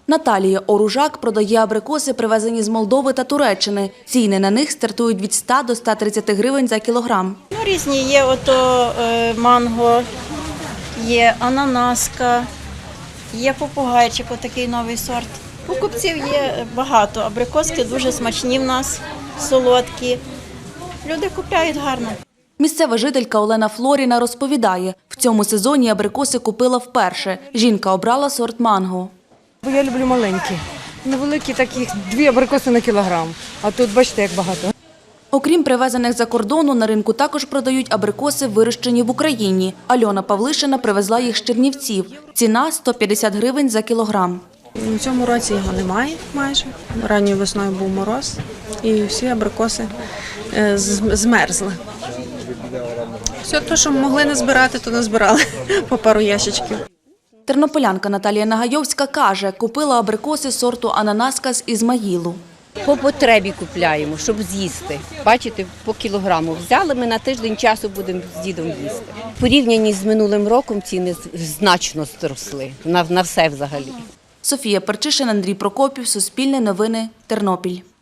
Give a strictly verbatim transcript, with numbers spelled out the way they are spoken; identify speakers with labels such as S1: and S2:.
S1: Наталія Оружак продає абрикоси, привезені з Молдови та Туреччини. Ціни на них стартують від ста до ста тридцяти гривень за кілограм.
S2: Ну, різні є ото е, манго, є ананаска, є попугайчик, отакий новий сорт. Покупців є багато, абрикоски дуже смачні в нас, солодкі. Люди купляють гарно.
S1: Місцева жителька Олена Флоріна розповідає, в цьому сезоні абрикоси купила вперше. Жінка обрала сорт манго.
S3: Бо я люблю маленькі, невеликі такі, дві абрикоси на кілограм, а тут бачите, як багато.
S1: Окрім привезених за кордону, на ринку також продають абрикоси, вирощені в Україні. Альона Павлишина привезла їх з Чернівців. Ціна – сто п'ятдесят гривень за кілограм.
S4: У цьому році його немає майже. Ранньою весною був мороз і всі абрикоси змерзли. Все те, що могли не збирати, то не збирали по пару ящичків.
S1: Тернополянка Наталія Нагайовська каже, купила абрикоси сорту ананаска з Ізмаїлу.
S5: По потребі купляємо, щоб з'їсти. Бачите, по кілограму взяли, ми на тиждень часу будемо з дідом їсти. В порівнянні з минулим роком ціни значно зросли, на, на все взагалі.
S1: Софія Перчишин, Андрій Прокопів, Суспільне новини, Тернопіль.